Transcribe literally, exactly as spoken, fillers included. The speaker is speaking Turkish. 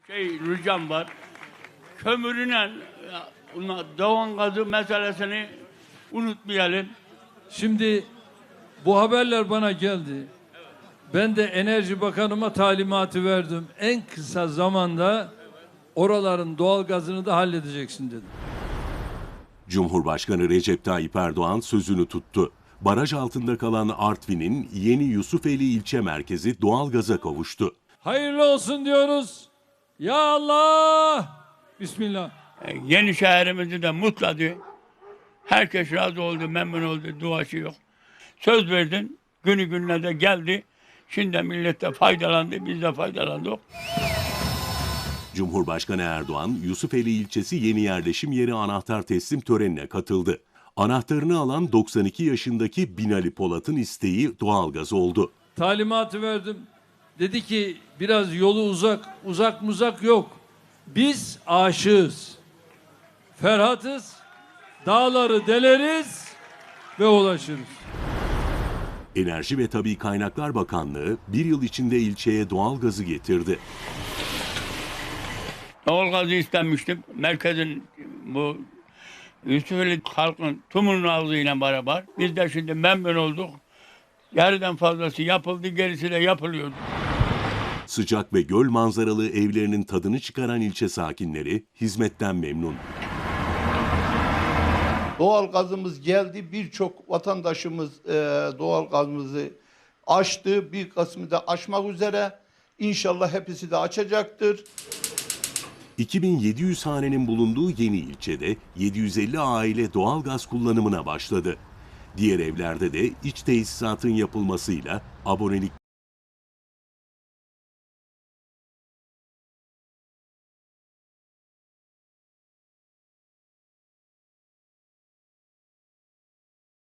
Şey ricam var. Kömürüne doğan gazı meselesini unutmayalım. Şimdi bu haberler bana geldi. Ben de Enerji Bakanıma talimatı verdim. En kısa zamanda oraların doğalgazını da halledeceksin dedim. Cumhurbaşkanı Recep Tayyip Erdoğan sözünü tuttu. Baraj altında kalan Artvin'in Yeni Yusufeli ilçe merkezi doğalgaza kavuştu. Hayırlı olsun diyoruz. Ya Allah! Bismillah. Yeni şehrimizi de mutladı. Herkes razı oldu, memnun oldu, duası yok. Söz verdin, günü gününe de geldi. Şimdi millet de faydalandı, biz de faydalandık. Cumhurbaşkanı Erdoğan, Yusufeli ilçesi yeni yerleşim yeri anahtar teslim törenine katıldı. Anahtarını alan doksan iki yaşındaki Binali Polat'ın isteği doğalgaz oldu. Talimatı verdim. Dedi ki biraz yolu uzak, uzak muzak yok. Biz aşığız. Ferhatız. Dağları deleriz ve ulaşırız. Enerji ve Tabii Kaynaklar Bakanlığı bir yıl içinde ilçeye doğalgazı getirdi. Doğalgazı istenmiştim. Merkezin bu Yusufeli halkın tümünün ağzıyla beraber. Biz de şimdi memnun olduk. Yarıdan fazlası yapıldı, gerisi de yapılıyor. Sıcak ve göl manzaralı evlerinin tadını çıkaran ilçe sakinleri hizmetten memnun. Doğal gazımız geldi. Birçok vatandaşımız e, doğal gazımızı açtı. Bir kısmı da açmak üzere. İnşallah hepsi de açacaktır. iki bin yedi yüz hanenin bulunduğu yeni ilçede yedi yüz elli aile doğalgaz kullanımına başladı. Diğer evlerde de iç tesisatın yapılmasıyla abonelik